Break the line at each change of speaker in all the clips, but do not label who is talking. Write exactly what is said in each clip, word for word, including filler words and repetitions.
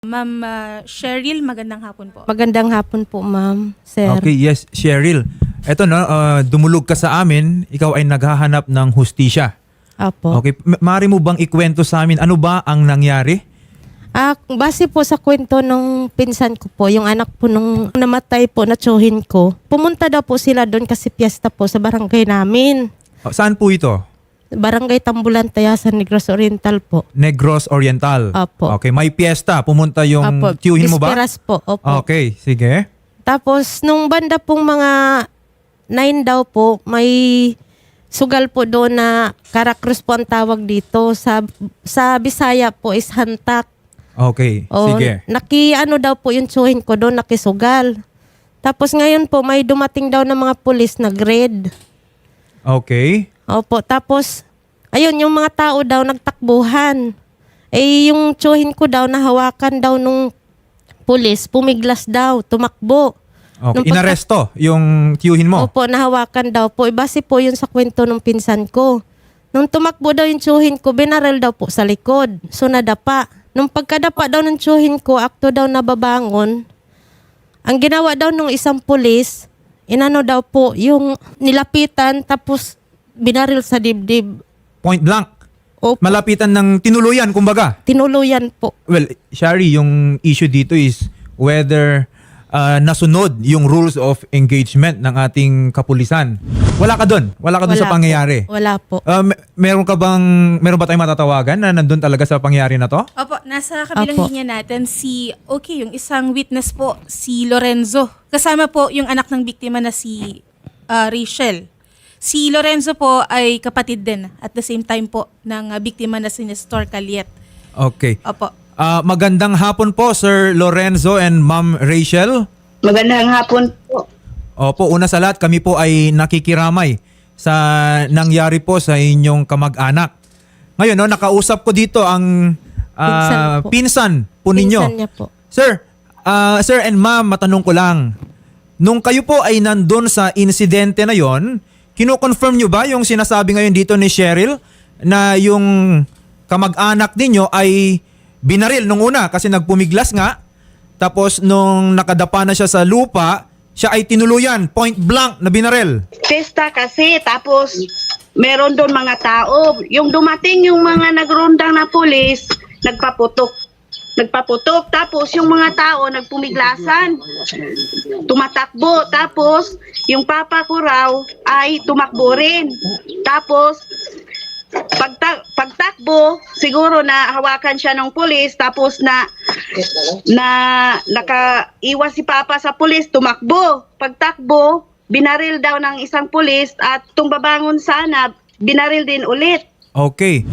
Ma'am ah, Cheryl, magandang hapon po.
Magandang hapon po, ma'am, sir.
Okay, yes, Cheryl. Eto no, uh, dumulog ka sa amin, ikaw ay naghahanap ng hustisya.
Apo.
Okay, ma- maaari mo bang ikwento sa amin ano ba ang nangyari?
Ah, base po sa kwento nung pinsan ko po, yung anak po nung namatay po na tsuhin ko, pumunta daw po sila doon kasi piyesta po sa barangay namin.
Oh, saan po ito?
Barangay Tambulan, Tayasan, Negros Oriental po.
Negros Oriental.
Apo.
Okay, may piyesta. Pumunta yung
Apo.
tiyuhin mo ba?
Bisperas po, opo.
Okay, sige.
Tapos, nung banda pong mga nine daw po, may sugal po doon na Karakrus po ang tawag dito. Sa, sa Bisaya po is hantak.
Okay,
O,
sige.
Naki, ano daw po yung tsuhin ko doon, nakisugal. Tapos ngayon po, may dumating daw ng mga pulis na grade.
Okay.
Opo, tapos, ayun, yung mga tao daw nagtakbuhan. Eh, yung tsuhin ko daw, nahawakan daw nung pulis, pumiglas daw, tumakbo.
Okay,
Nung pagka-
inaresto yung tiyuhin mo.
Opo, nahawakan daw po. Ibase po yun sa kwento ng pinsan ko. Nung tumakbo daw yung tsuhin ko, binaril daw po sa likod. So, nadapa. Nung pagkadapa daw ng tsuhin ko, akto daw nababangon. Ang ginawa daw nung isang pulis, inano daw po, yung nilapitan, tapos binaril sa dibdib.
Point blank.
Opo,
Malapitan ng tinuluyan, kumbaga.
tinuluyan po.
Well, Shari, yung issue dito is whether uh, nasunod yung rules of engagement ng ating kapulisan. Wala ka doon. Wala ka doon sa
Wala
pangyayari.
po. Wala po.
Uh, me- meron ka bang meron ba tayong matatawagan na nandun talaga sa pangyayari na to?
Opo, nasa kabilang
Opo.
linya natin si, okay, yung isang witness po, si Lorenzo. Kasama po yung anak ng biktima na si ah, Rachel. Si Lorenzo po ay kapatid din at the same time po ng ah, biktima na si Nestor Caliet.
Okay.
Opo.
Uh, magandang hapon po, Sir Lorenzo and Ma'am Rachel.
Magandang hapon po.
Opo, una sa lahat, kami po ay nakikiramay sa nangyari po sa inyong kamag-anak. Ngayon, no, nakausap ko dito ang ah,
Pinsan po.
pinsan po ninyo.
Pinsan niya po.
Sir, ah, sir and ma'am, matanong ko lang. Nung kayo po ay nandun sa insidente na yon, kino-confirm nyo ba yung sinasabi ngayon dito ni Cheryl na yung kamag-anak ninyo ay binaril nung una kasi nagpumiglas nga, tapos nung nakadapa na siya sa lupa, siya ay tinuluyan, point blank na binaril.
Pesta kasi, tapos meron doon mga tao. Yung dumating yung mga nagrondang na pulis, nagpaputok. Nagpaputok, tapos yung mga tao nagpumiglasan. Tumatakbo, tapos yung papa ko raw ay tumakbo rin. Tapos pagta- pagtakbo, siguro na hawakan siya ng pulis, tapos na na nakaiwas si papa sa pulis, tumakbo. Pagtakbo, binaril daw ng isang pulis at tumbabangon sana, binaril din ulit.
Okay.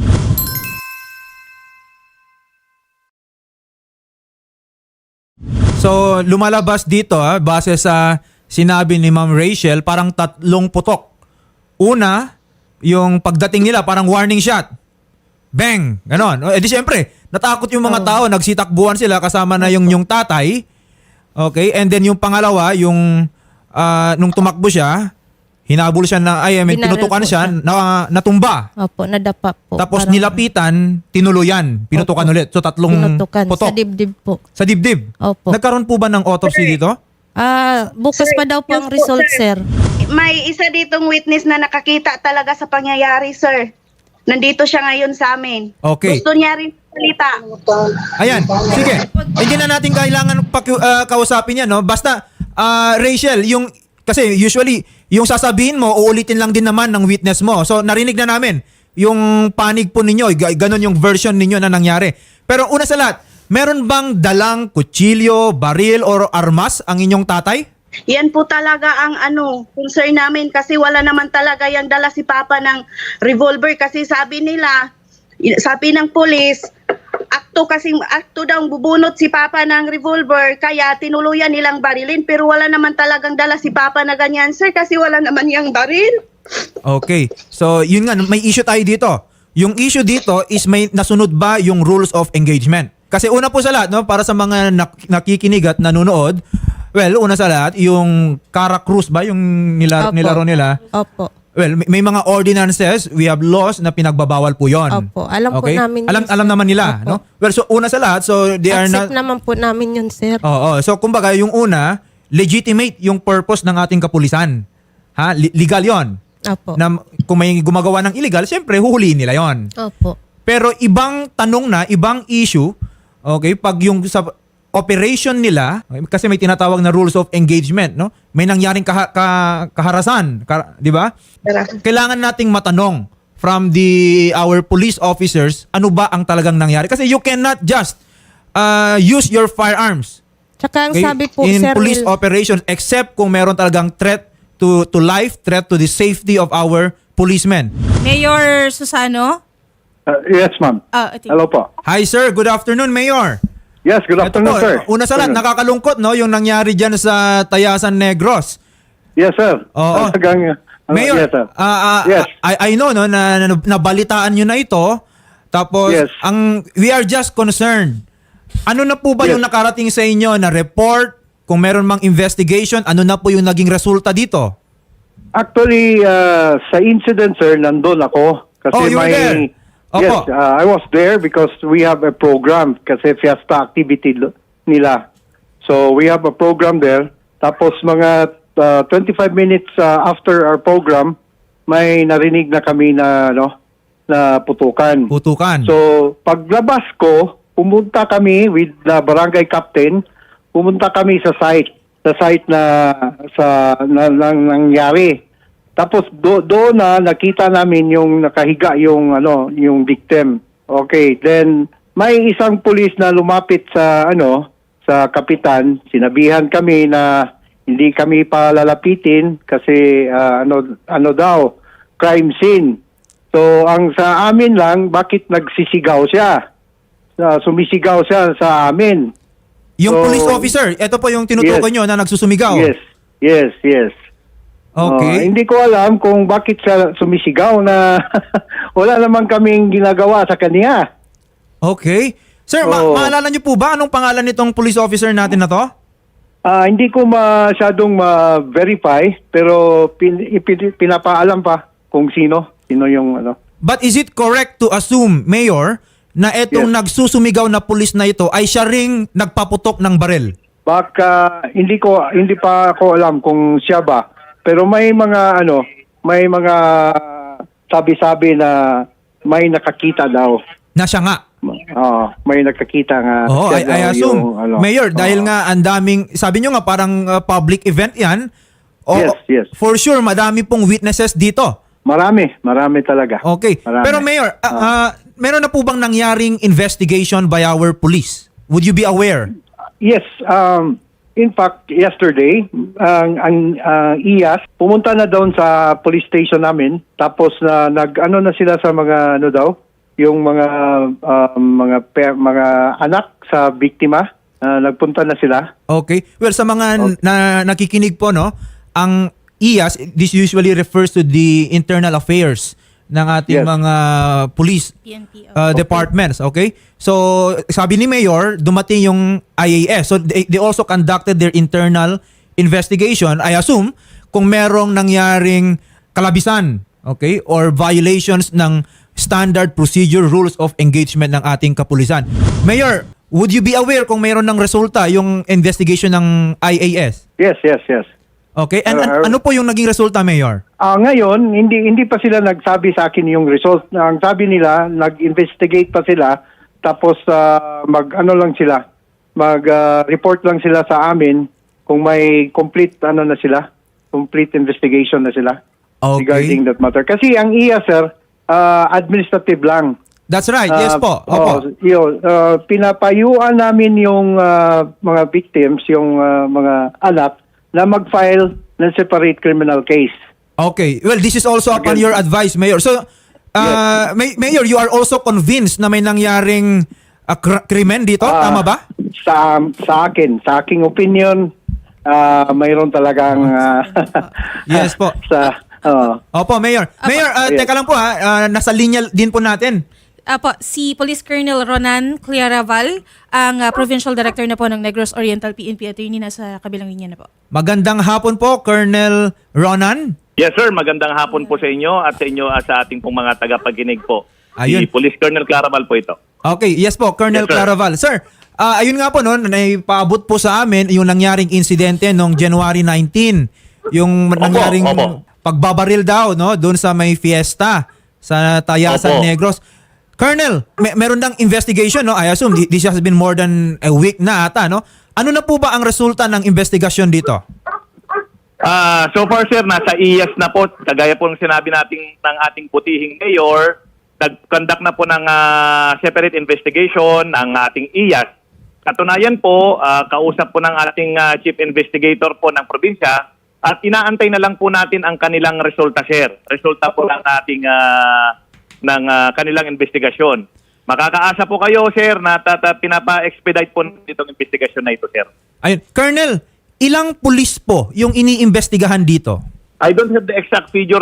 So, lumalabas dito, ah, base sa sinabi ni Ma'am Rachel, parang tatlong putok. Una, yung pagdating nila, parang warning shot. Bang! Ganon. Eh di syempre, natakot yung mga tao, nagsitakbuhan sila kasama na yung, yung tatay. Okay? And then yung pangalawa, yung ah, nung tumakbo siya, hinabol siya na, ay, I mean,
Binaril
tinutukan
po
siya,
siya.
na, natumba.
Opo, nadapa po.
Tapos
Parang
nilapitan, tinuluyan, pinutukan
Opo.
ulit. So tatlong
pinutukan
putok
sa dibdib po.
sa dibdib.
Opo.
Nagkaroon po ba ng autopsy dito?
Ah, bukas
Sir,
pa daw po
yun
ang
po,
result,
sir.
sir.
May isa ditong witness na nakakita talaga sa pangyayari, sir. Nandito siya ngayon sa amin.
Okay.
Gusto niya rin salita.
Ayan, sige. Hindi na natin kailangan paki- ah, kausapin yan, no? Basta, ah, Rachel, yung, kasi usually, yung sasabihin mo, uulitin lang din naman ng witness mo. So, narinig na namin yung panig po ninyo, g- ganon yung version ninyo na nangyari. Pero una sa lahat, meron bang dalang kutsilyo, baril, or armas ang inyong tatay?
Yan po talaga ang ano, concern namin kasi wala naman talaga yung dala si Papa ng revolver kasi sabi nila, sabi ng pulis, akto kasi akto daw bubunot si Papa ng revolver kaya tinuluyan nilang barilin pero wala naman talagang dala si Papa na ganyan, sir, kasi wala naman yung baril.
Okay. So, yun nga, may issue tayo dito. Yung issue dito is may nasunod ba yung rules of engagement? Kasi una po sa lahat, no, para sa mga nak- nakikinig at nanonood, well, una sa lahat, yung Karakrus ba, yung nila-
Opo.
nilaro nila,
Opo.
well, may, may mga ordinances, we have laws na pinagbabawal po 'yon.
Opo, alam po namin yun,
Alam
sir.
alam naman nila,
Opo.
no? Well, so una sa lahat, so they are
Accept
not
naman po namin yun, sir.
Oo, so kumbaga yung una, legitimate yung purpose ng ating kapulisan. Ha? Li- legal 'yon.
Opo.
Na kung may gumagawa ng illegal, siyempre huhulihin nila 'yon.
Opo.
Pero ibang tanong na, ibang issue, okay, pag yung sa operation nila, okay, kasi may tinatawag na rules of engagement, no? May nangyaring kaha- ka- kaharasan, ka- di ba? Kailangan nating matanong from the our police officers, ano ba ang talagang nangyari? Kasi you cannot just uh, use your firearms,
Tsaka ang
okay,
sabi po,
in
sir,
police
Will,
operations except kung meron talagang threat to to life, threat to the safety of our policemen.
Mayor Susano?
Uh, yes, ma'am.
Ah, ito.
Hello po.
Hi sir, good afternoon Mayor.
Yes, good
Ito
afternoon,
po,
sir.
una sa lahat, nakakalungkot no yung nangyari diyan sa Tayasan Negros.
Yes, sir.
Oo.
Talagang, ano,
Mayor,
yes, sir.
ah, ah,
Yes.
I, I know no na, na nabalitaan niyo na ito. Tapos
Yes.
ang we are just concerned. Ano na po ba
Yes.
yung nakarating sa inyo na report? Kung meron mang investigation, ano na po yung naging resulta dito?
Actually, uh, sa incident, sir, nandun ako. Kasi
Oh, you were
may...
there? Opo.
Yes, uh, I was there because we have a program kasi fiesta activity lo- nila. So, we have a program there. Tapos mga uh, twenty-five minutes uh, after our program, may narinig na kami na, no, na putukan.
Putukan.
So, paglabas ko, pumunta kami with the barangay captain, pumunta kami sa site, sa site na sa na, nang nangyari. Tapos do, doon na nakita namin yung nakahiga yung ano, yung victim. Okay, then may isang pulis na lumapit sa ano, sa kapitan, sinabihan kami na hindi kami palalapitin kasi ah, ano ano daw, crime scene. So, ang sa amin lang, bakit nagsisigaw siya? Uh, sumisigaw siya sa amin.
yung
so-
police officer, ito po yung tinutukoy
Yes.
nyo na nagsusumigaw.
Yes, yes, yes.
Okay.
Uh, hindi ko alam kung bakit siya sumisigaw na wala naman kaming ginagawa sa kanya.
Okay. Sir, ma-
Oo.
maalala nyo po ba anong pangalan nitong police officer natin na to?
Ah, hindi ko masyadong ma-verify pero pin, ipin- pinapaalam pa kung sino, sino yung ano.
But is it correct to assume, Mayor, na etong
Yes.
nagsusumigaw na pulis na ito ay siya ring nagpaputok ng baril?
Baka hindi ko hindi pa ako alam kung siya ba. Pero may mga ano, may mga sabi-sabi na may nakakita daw.
Na siya nga.
Ah, may nakakita nga.
Oo, I,
siya
I
daw
assume.
yung, ano.
Mayor, dahil
Oo.
nga ang daming, sabi nyo nga parang uh, public event yan. O,
Yes, yes.
For sure, madami pong witnesses dito.
Marami, marami talaga.
Okay.
Marami.
Pero Mayor, uh, uh, meron na po bang nangyaring investigation by our police? Would you be aware?
Yes, um, in fact, yesterday, ang ang uh, I A S pumunta na doon sa police station namin. Tapos na nag ano na sila sa mga ano daw, yung mga um, mga pe- mga anak sa biktima, uh, nagpunta na sila.
Okay. Well, sa mga n- na nakikinig po, no, ang I A S, this usually refers to the internal affairs ng ating
Yes.
mga police
P N P.
uh, departments, okay? So, sabi ni Mayor, dumating yung I A S. So, they, they also conducted their internal investigation. I assume, kung merong nangyaring kalabisan, okay, or violations ng standard procedure rules of engagement ng ating kapulisan. Mayor, would you be aware kung meron ng resulta yung investigation ng I A S?
Yes, yes, yes.
Okay, and, and
Uh,
ano po yung naging resulta, Mayor?
Ah, ngayon, hindi hindi pa sila nagsabi sa akin yung result. Ang sabi nila, nag-investigate pa sila tapos ah, mag ano lang sila, mag-report lang sila sa amin kung may complete ano na sila, complete investigation na sila
Okay.
regarding that matter. Kasi ang I A S, sir, ah, administrative lang.
That's right, yes
Ah,
po.
oh,
Opo.
yun, ah, pinapayuan namin yung ah, mga victims, yung ah, mga anak na mag-file ng separate criminal case.
Okay. Well, this is also upon
Again.
your advice, Mayor. So, uh, May- Mayor, you are also convinced na may nangyaring uh, kr- krimen dito?
Ah,
Tama ba?
Sa sa akin, sa aking opinion, ah mayroon talagang ah,
Yes po.
sa oh,
Opo, Mayor. Mayor, uh,
Yes.
teka lang po ha. Uh, nasa linya din po natin.
Apo, si Police Colonel Ronan Claraval, ang ah, Provincial Director na po ng Negros Oriental P N P Attorney, nasa kabilang linya na po.
Magandang hapon po, Colonel Ronan.
Yes sir, magandang hapon po sa inyo at sa inyo at sa ating pong mga tagapaginig po.
Ayun.
Si Police Colonel Claraval po ito.
Okay, yes po, Colonel
Yes, sir.
Claraval. Sir, ah, ayun nga po noon, naipaabot po sa amin yung nangyaring insidente noong January nineteenth. Yung nangyaring
opo.
pagbabaril daw no doon sa may fiesta sa Tayasan
Opo.
Negros. Colonel, may, meron ng investigation, no? I assume this has been more than a week na ata, no? Ano na po ba ang resulta ng investigasyon dito?
Ah, so far sir, nasa I A S na po, kagaya po ng sinabi nating ng ating putihing mayor, nag-conduct na po ng ah, separate investigation ang ating I A S. Katunayan po, ah, kausap po ng ating ah, chief investigator po ng probinsya at inaantay na lang po natin ang kanilang resulta sir. Resulta po ng ating ah, ng ah, kanilang investigasyon. Makakaasa po kayo sir na tata, pinapa-expedite po itong investigasyon na ito sir.
Ayun, Colonel, ilang pulis po yung iniimbestigahan dito?
I don't have the exact figure,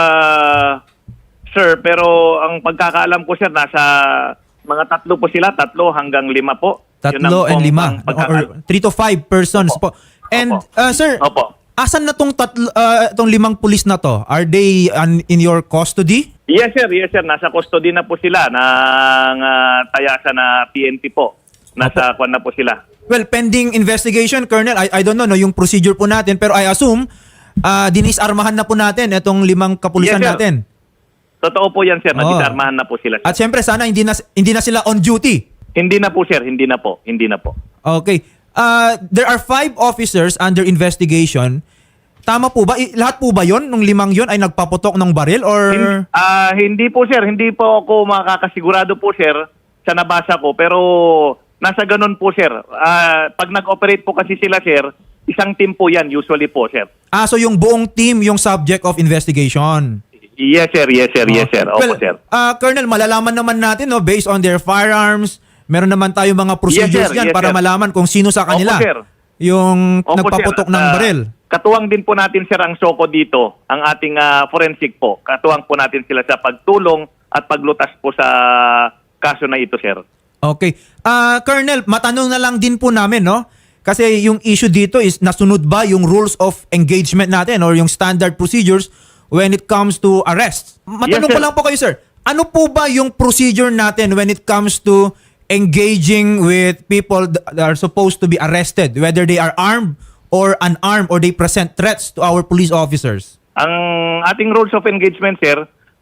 uh, sir, pero ang pagkakaalam ko, sir, nasa mga tatlo po sila, tatlo hanggang lima po. Yun ang
Tatlo and
pong-
lima.
ang pagkaka-
Or three to five persons po. And,
Opo.
uh, sir,
Opo.
asan na tong, tatlo, uh, tong limang pulis na to? Are they un- in your custody?
Yes, sir, yes, sir. Nasa custody na po sila ng uh, tayasa na P N P po. Nasa kwan na po sila.
Well, pending investigation, Colonel, I, I don't know no, yung procedure po natin, pero I assume, uh, dinisarmahan na po natin itong limang kapulisan
Yes, sir.
natin.
Totoo po yan, sir.
Oo.
Nadisarmahan na po sila. Sir.
At syempre, sana hindi na, hindi na sila on duty.
Hindi na po, sir. Hindi na po. Hindi na po.
Okay. Uh, there are five officers under investigation. Tama po ba? I- lahat po ba yon nung limang yon ay nagpaputok ng baril or...
Hin- ah, hindi po, sir. Hindi po ako makakasigurado po, sir, sa nabasa ko. Pero nasa ganun po, sir. Ah, pag nag-operate po kasi sila, sir, isang team po yan usually po, sir.
Ah, so yung buong team yung subject of investigation.
Yes, sir. Yes, sir. Yes, sir. Opo,
Well,
sir.
ah, Colonel, malalaman naman natin no based on their firearms. Meron naman tayo mga procedures
sir.
diyan
Yes,
para
sir.
malaman kung sino sa kanila
Opo, sir.
yung
Opo,
nagpaputok
sir.
ng
Ah,
baril.
Katuwang din po natin, sir, ang SOCO dito, ang ating ah, forensic po. Katuwang po natin sila sa pagtulong at paglutas po sa kaso na ito, sir.
Okay. Ah, Colonel, matanong na lang din po namin, no? Kasi yung issue dito is nasunod ba yung rules of engagement natin or yung standard procedures when it comes to arrest? Matanong
Yes,
ko
sir.
lang po kayo, sir. Ano po ba yung procedure natin when it comes to engaging with people that are supposed to be arrested, whether they are armed or unarmed or they present threats to our police officers?
Ang ating rules of engagement, sir,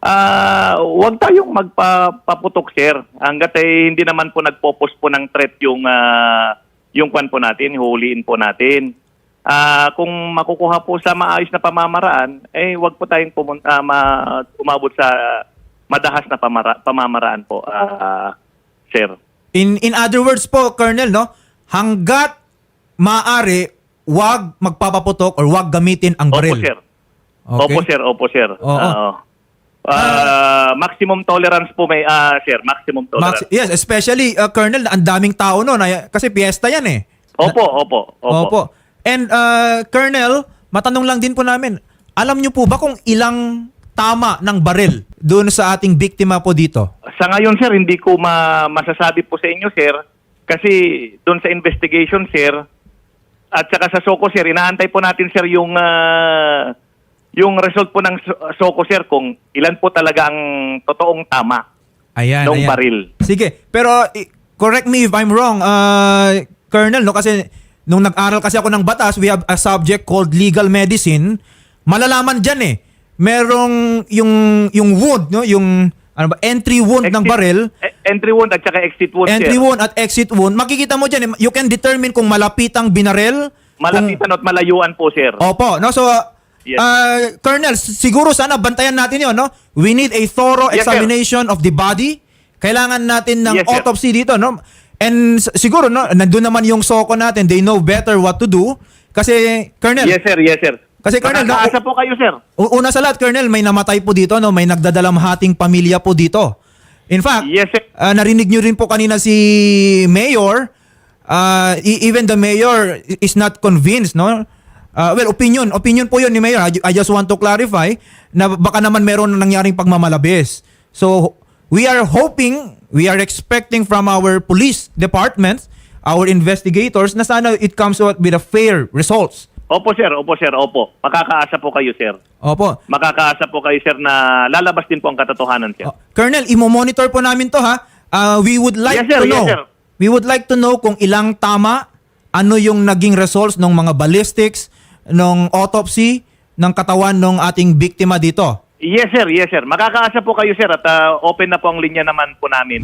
ah huwag tayong magpaputok, sir. Hanggat ay hindi naman po nagpopos po ng threat yung, ah, yung kwan po natin, huliin po natin. Ah kung makukuha po sa maayos na pamamaraan, eh huwag po tayong pumun- ah, ma- umabot sa madahas na pamara- pamamaraan po, ah, sir.
In in other words po, Colonel, no? Hanggat maaari, wag magpapaputok or wag gamitin ang baril.
Opo, sir.
Okay?
Opo, sir. Opo, sir.
Oo.
Oo. Ah, maximum tolerance po may, ah, sir. Maximum tolerance.
Max- yes, especially, uh, Colonel, ang daming tao noon. ay- Kasi piyesta yan eh.
Opo, opo, opo.
Opo. And, uh, Colonel, matanong lang din po namin, alam niyo po ba kung ilang tama ng baril doon sa ating biktima po dito?
Sa ngayon, sir, hindi ko ma- masasabi po sa inyo, sir. Kasi doon sa investigation, sir, at saka sa SOCO, sir, inaantay po natin, sir, yung ah, yung result po ng So- SOCO, sir, kung ilan po talaga ang totoong tama
Ayan,
ng
ayan.
baril.
Sige, pero i- correct me if I'm wrong, uh, Colonel, no? Kasi nung nag-aral kasi ako ng batas, we have a subject called legal medicine. Malalaman dyan eh. Merong yung, yung wound, no? Yung ano ba, entry wound ng
Exit-
baril.
eh, entry wound at saka exit wound,
Entry
sir.
wound at exit wound. Makikita mo dyan, eh, you can determine kung malapitang binaril.
Malapitan at malayuan po, sir.
Kung, opo, no? So,
Yes.
uh, Colonel, s- siguro sana bantayan natin yon, no? We need a thorough
Yes, sir.
examination of the body. Kailangan natin ng
Yes, sir.
autopsy dito, no? And s- siguro, no, nandun naman yung SOCO natin. They know better what to do. Kasi, Colonel,
Yes, sir. Yes, sir.
Kasi, Colonel, no,
Makakaasa po kayo, sir.
u- una sa lahat, Colonel, may namatay po dito, no? May nagdadalamhating pamilya po dito. In fact,
Yes, sir.
ah, narinig nyo rin po kanina si Mayor, ah, e- even the Mayor is not convinced, no? Ah, well, opinion. Opinion po yun ni Mayor. I, I just want to clarify na baka naman meron na nangyaring pagmamalabis. So, we are hoping, we are expecting from our police departments, our investigators, na sana it comes out with a fair results.
Opo sir, opo sir, opo. Makakaasa po kayo sir.
Opo.
Makakaasa po kayo sir na lalabas din po ang katotohanan sir.
Oh, Colonel, imo-monitor po namin to ha. Uh, we would like
Yes, sir.
to know.
Yes, sir.
We would like to know kung ilang tama, ano yung naging results ng mga ballistics, ng autopsy, ng katawan ng ating biktima dito.
Yes sir, yes sir. Makakaasa po kayo sir at ah, open na po ang linya naman po namin.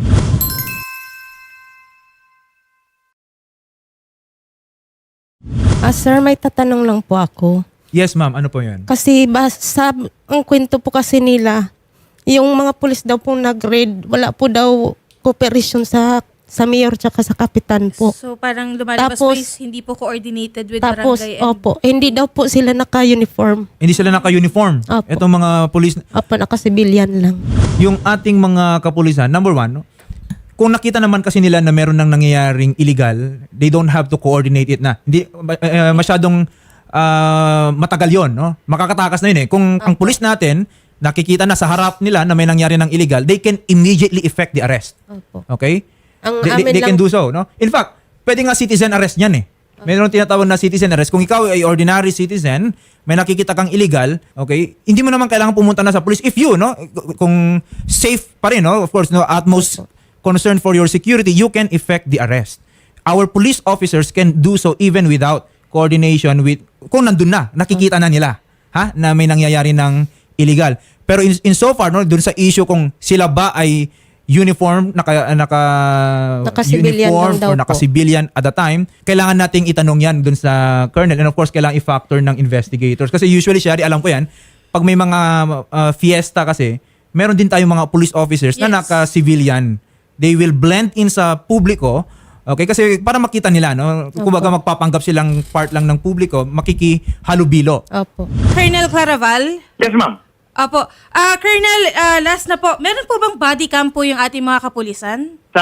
Ah, sir, may tatanong lang po ako.
Yes, ma'am. Ano po yun?
Kasi basta ang kwento po kasi nila, yung mga pulis daw po nag-raid, wala po daw cooperation sa sa mayor tsaka sa kapitan po.
So parang lumalabas po
Tapos-
is hindi po coordinated with
Tapos,
barangay and
opo, hindi daw po sila naka-uniform.
Hindi sila naka-uniform.
Opo.
Itong mga police,
Opo, naka-civilian lang.
yung ating mga kapulisan, number one, no? Kung nakita naman kasi nila na meron nang nangyayaring illegal, they don't have to coordinate it na. Hindi uh, masyadong uh, matagal 'yon, no? Makakatakas na 'yun eh. Kung ang pulis natin nakikita na sa harap nila na may nangyari ng illegal, they can immediately effect the arrest.
Opo.
Okay?
Ang
They, they,
amin
they can
lang-
do so, no? In fact, pwede nga citizen arrest 'yan eh. Mayroon tinatawag na citizen arrest. Kung ikaw ay ordinary citizen, may nakikita kang illegal, okay? Hindi mo naman kailangan pumunta na sa police if you, no? Kung safe pa rin, no? Of course, no, utmost concern for your security, you can effect the arrest. Our police officers can do so even without coordination with, kung nandun na, nakikita na nila, ha? Na may nangyayari ng illegal. Pero in, in so far, no, dun sa issue kung sila ba ay uniform, naka, naka,
Naka-civilian
uniform
lang daw
or
po.
naka-civilian at the time, kailangan nating itanong yan dun sa colonel and of course, kailangan i-factor ng investigators. Kasi usually, Shari, alam ko yan, pag may mga uh, fiesta kasi, meron din tayong mga police officers na
Yes.
naka-civilian. They will blend in sa publiko. Okay, kasi para makita nila, no? Kumbaga magpapanggap silang part lang ng publiko, makikihalubilo.
Opo.
Colonel Claraval.
Yes ma'am.
Opo. Ah, Colonel, ah, last na po. Meron po bang body cam po yung ating mga kapulisan?
Sa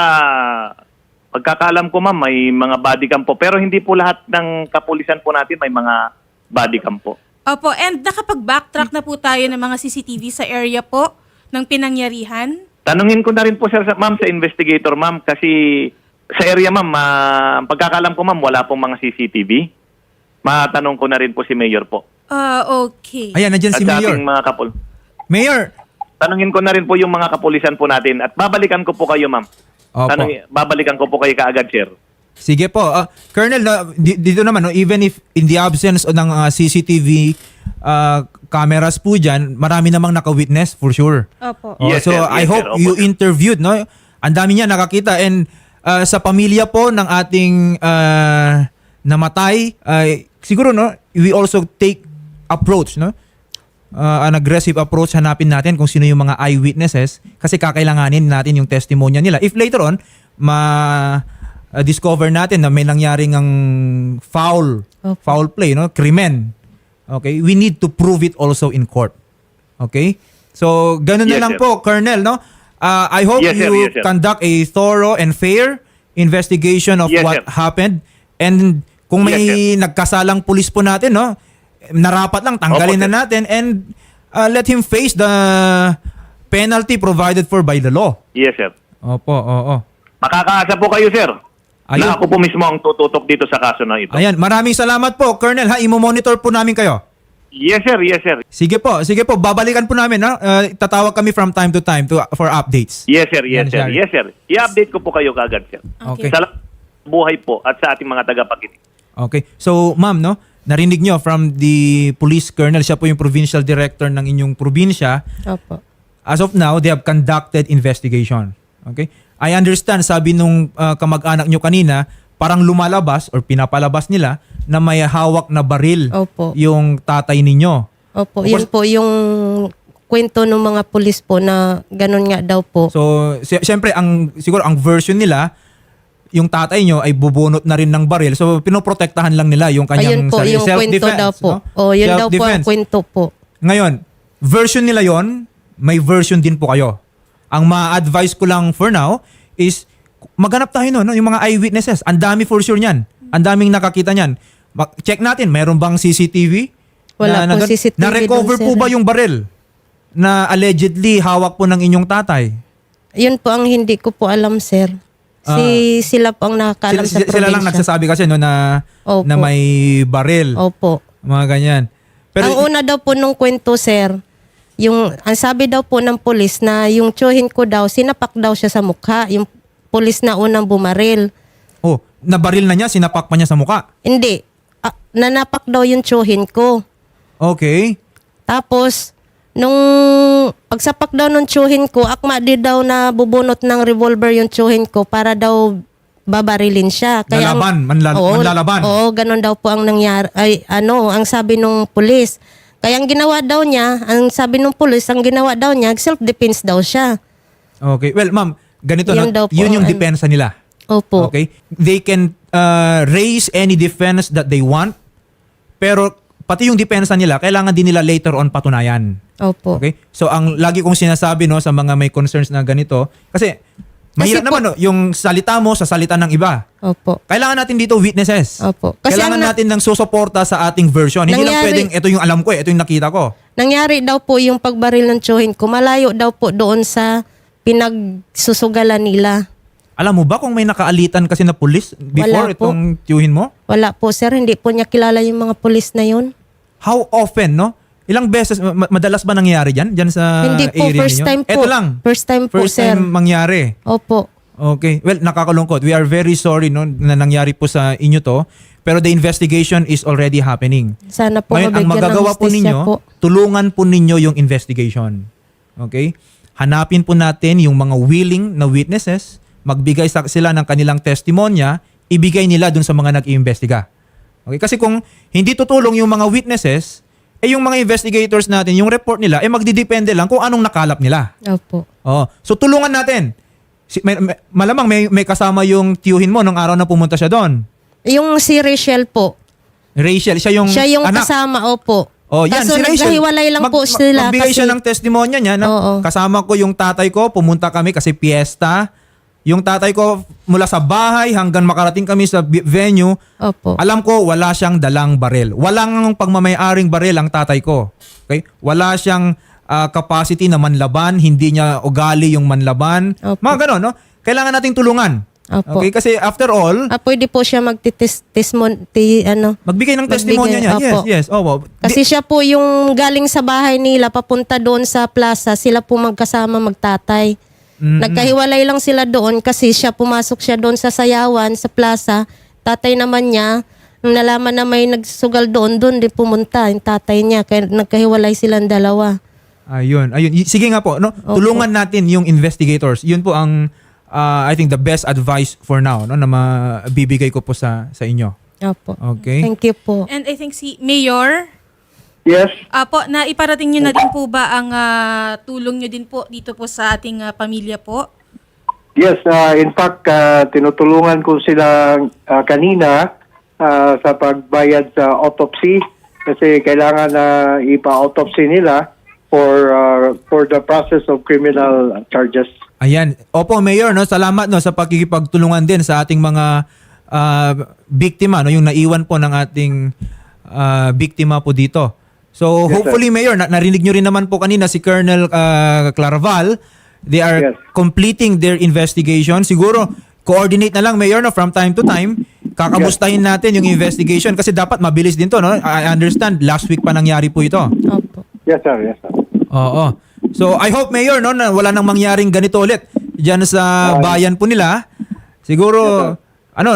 pagkakaalam ko ma'am, may mga body cam po. Pero hindi po lahat ng kapulisan po natin may mga body cam po.
Opo, and nakapag-backtrack na po tayo ng mga C C T V sa area po ng pinangyarihan?
Tanungin ko na rin po sir, sa, ma'am, sa investigator ma'am, kasi sa area ma'am, ah, ang pagkakaalam ko ma'am, wala pong mga C C T V. Matanong ko na rin po si Mayor po.
Ah, okay.
Ayan, nandyan
At
si
sa
Mayor.
ating mga kapul.
Mayor!
Tanungin ko na rin po yung mga kapulisan po natin at babalikan ko po kayo ma'am.
Opo.
Tanungin, babalikan ko po kayo kaagad sir.
Sige po. Ah, Colonel, na, di- dito naman, no, even if in the absence o ng ah, C C T V ah, cameras po dyan, marami namang naka-witness for sure.
Opo.
Oh,
Yes,
so
sir.
I
Yes,
hope
sir. Opo,
you
sir.
interviewed, no? Ang dami niya nakakita and ah, sa pamilya po ng ating ah, namatay, ay siguro no, we also take approach, no? Uh, an aggressive approach, hanapin natin kung sino yung mga eyewitnesses kasi kakailanganin natin yung testimonya nila. If later on, ma-discover natin na may nangyaring ang foul,
Opo.
foul play, no? Krimen. Okay? We need to prove it also in court. Okay? So, ganun na
Yes,
lang
sir.
po, Colonel, no? Uh, I hope
Yes, sir.
you
Yes, sir.
conduct a thorough and fair investigation of
Yes,
what
sir.
happened. And kung may
Yes,
nagkasalang pulis po natin, no? Narapat lang, tanggalin
Opo,
na
sir.
natin and uh, let him face the penalty provided for by the law.
Yes sir.
Opo, oo.
Makakaasa po kayo sir.
Ayun.
Na ako po mismo ang tututok dito sa kaso na ito.
Ayan, maraming salamat po, Colonel, ha? Imo-monitor po namin kayo.
Yes sir, yes sir.
Sige po, sige po, babalikan po namin, ha? Uh, tatawag kami from time to time to for updates.
Yes sir, yes
Yan,
sir.
Shari.
Yes sir. I-update ko po kayo kaagad sir.
Okay.
Sa buhay po at sa ating mga tagapakinig.
Okay. So, ma'am, no? Narinig nyo from the police colonel, siya po yung provincial director ng inyong probinsya.
Opo.
As of now, they have conducted investigation. Okay? I understand, sabi nung uh, kamag-anak nyo kanina, parang lumalabas or pinapalabas nila na may hawak na baril
Opo.
yung tatay ninyo.
Opo,
Of
yun
course-
po yung kwento ng mga pulis po na ganun nga daw po.
So, si- siyempre, ang, siguro ang version nila, yung tatay nyo ay bubunot na rin ng baril. So, pinoprotektahan lang nila yung kanyang
Ayun po,
sarili.
yung kwento
Self-defense,
daw po.
no?
O, yun daw po ang
Self-defense.
kwento po.
Ngayon, version nila yon, may version din po kayo. Ang ma-advise ko lang for now is maghanap tayo no, no yung mga eyewitnesses. Ang dami for sure niyan. Ang daming nakakita niyan. Ma- Check natin, mayroon bang C C T V?
Wala pong C C T V
Na-recover
dun,
po
sir.
ba yung baril na allegedly hawak po ng inyong tatay?
Yun po ang hindi ko po alam, sir. Si sila po ang nakakaalam
Sila,
sa
sila,
probinsya.
sila lang nagsasabi kasi no na
Opo.
na may baril,
Opo.
mga ganyan. Pero
ang una daw po nung kwento, sir, yung ang sabi daw po ng pulis na yung tsuhin ko daw, sinapak daw siya sa mukha, yung pulis na unang bumaril.
oh, nabaril na niya, sinapak pa niya sa muka.
Hindi. Ah, nanapak daw yung tsuhin ko.
Okay.
Tapos, nung pagsapak daw ng tsuhin ko, akma di daw na bubunot ng revolver yung tsuhin ko para daw babarilin siya. ang-
Lalaban, manla-
Oo,
manlalaban.
Oo, ganun daw po ang nangyari. Ay, ano, ang sabi nung pulis. Kaya ang ginawa daw niya, ang sabi nung pulis, ang ginawa daw niya, self-defense daw siya.
Okay. Well, ma'am, ganito
Yun
no,
daw po
yun yung
ang-
depensa nila.
Opo.
Okay? They can uh, raise any defense that they want, pero pati yung depensa nila, kailangan din nila later on patunayan.
Opo.
Okay? So, ang lagi kong sinasabi no sa mga may concerns na ganito, kasi mahirap
po-
naman no, yung salita mo sa salita ng iba.
Opo.
Kailangan natin dito witnesses.
Opo. Kasi
Kailangan
ang na-
natin ng susuporta sa ating version. Hindi lang
Nangyari-
pwedeng ito yung alam ko, eh, ito yung nakita ko.
Nangyari daw po yung pagbaril ng tsuhin ko, malayo daw po doon sa pinagsusugalan nila.
Alam mo ba kung may nakaalitan kasi na pulis before
Wala po.
itong tiyuhin mo?
Wala po, sir. Hindi po niya kilala yung mga pulis na yun.
How often, no? Ilang beses, ma- madalas ba nangyari dyan? Dyan sa
Hindi po,
area
first
ninyo?
time po.
Ito lang.
First time po,
First
sir.
time mangyari.
Opo.
Okay. Well, nakakalungkot. We are very sorry no, na nangyari po sa inyo to. Pero the investigation is already happening.
Sana po
Ngayon, ang
mabigyan ng
magagawa po
hustisya
ninyo,
po.
tulungan po ninyo yung investigation. Okay? Hanapin po natin yung mga willing na witnesses, magbigay sa sila ng kanilang testimonya, ibigay nila dun sa mga nag-iimbestiga. Okay? Kasi kung hindi tutulong yung mga witnesses, eh yung mga investigators natin, yung report nila, eh magdidepende lang kung anong nakalap nila.
Opo.
Oh, so tulungan natin. Si, may, may- malamang may, may kasama yung tiyuhin mo nung araw na pumunta siya doon.
Yung si Rachel po,
Rachel, siya yung
siya yung
anak.
kasama, opo.
Oh, yan,
Kaso
si Rachel.
nagkahiwalay lang
Mag-
po
mag-
sila
Magbigay
kasi,
siya ng testimonya niya. Na,
Oo.
Kasama ko yung tatay ko, pumunta kami kasi piyesta. Yung tatay ko mula sa bahay hanggang makarating kami sa bi- venue,
opo.
alam ko wala siyang dalang baril. Walang pagmamayaring baril ang tatay ko. Okay? Wala siyang ah, capacity na manlaban, hindi niya ugali yung manlaban.
Opo.
Mga ganon, no? Kailangan nating tulungan.
Opo.
Okay? Kasi after all,
Ah, pwede po siya magtitismon, ti, ano,
magbigay ng
Magbigay,
testimonya niya. Yes,
opo.
yes. Opo.
kasi siya po yung galing sa bahay nila, papunta doon sa plaza, sila po magkasama magtatay.
Mm-mm.
Nagkahiwalay lang sila doon kasi siya pumasok siya doon sa sayawan, sa plaza. Tatay naman niya, nung nalaman na may nagsugal doon, doon din pumunta yung tatay niya. Kaya nagkahiwalay silang dalawa.
Ayun, ayun. Y- Sige nga po, no? Tulungan natin yung investigators. Yun po ang uh, I think the best advice for now, no, na mabibigay ko po sa sa inyo.
Opo.
Okay?
Thank you po.
And I think si Mayor,
Yes.
ah po, na iparating nyo na din po ba ang ah, tulong nyo din po dito po sa ating ah, pamilya po?
Yes, uh, in fact, uh, tinutulungan ko sila uh, kanina uh, sa pagbayad sa autopsy kasi kailangan na ipa-autopsy nila for uh, for the process of criminal charges.
Ayan. Opo, Mayor, no, salamat no sa pakikipagtulungan din sa ating mga ah, biktima, no, yung naiwan po ng ating ah, biktima po dito. So,
Yes,
hopefully, Mayor, na- narinig nyo rin naman po kanina si Colonel ah, Claraval. They are
Yes.
completing their investigation. Siguro, coordinate na lang, Mayor, no, from time to time. Kakamustahin natin yung investigation kasi dapat mabilis din to, no? I understand, last week pa nangyari po ito.
Opo.
Yes, sir. Yes, sir.
Oo. So, I hope, Mayor, no, na wala nang mangyaring ganito ulit dyan sa bayan po nila. Siguro, ano,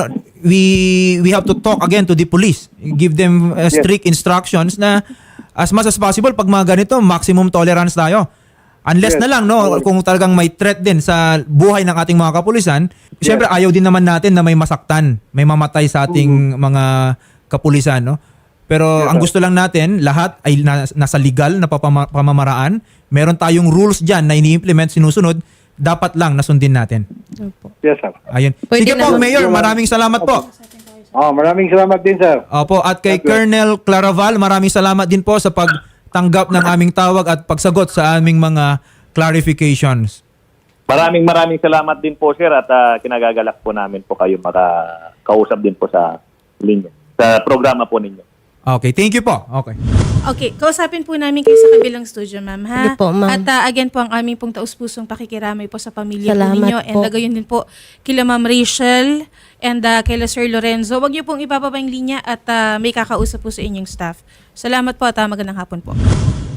we we have to talk again to the police. Give them uh, strict instructions na as much as possible, pag mga ganito, maximum tolerance tayo. Unless
Yes.
na lang, no, kung talagang may threat din sa buhay ng ating mga kapulisan, syempre ayaw din naman natin na may masaktan, may mamatay sa ating mga kapulisan, no? Pero
Yes,
ang
sir.
gusto lang natin, lahat ay na- nasa legal na papama- pamamaraan. Meron tayong rules dyan na ini-implement, sinusunod, dapat lang nasundin natin.
Opo.
Yes, sir.
Ayun.
Pwede
Sige po,
naman.
Mayor, maraming salamat po.
Oh, maraming salamat din, sir.
Opo, at kay
Thank you.
Colonel Claraval, maraming salamat din po sa pagtanggap ng aming tawag at pagsagot sa aming mga clarifications.
Maraming maraming salamat din po, sir, at ah, kinagagalak po namin po kayo makakausap din po sa linya, sa programa po ninyo.
Okay, thank you po. Okay.
Okay, kausapin po namin kayo sa kabilang studio, ma'am, ha?
Sige po, ma'am.
At ah, again po, ang aming pong taus-pusong pakikiramay po sa pamilya po
Salamat
ninyo. And
po.
uh, gayon din po kila Ma'am Rachel and uh, kila Sir Lorenzo. Huwag niyo pong ibababa yung linya at ah, may kakausap po sa inyong staff. Salamat po at ah, magandang hapon po.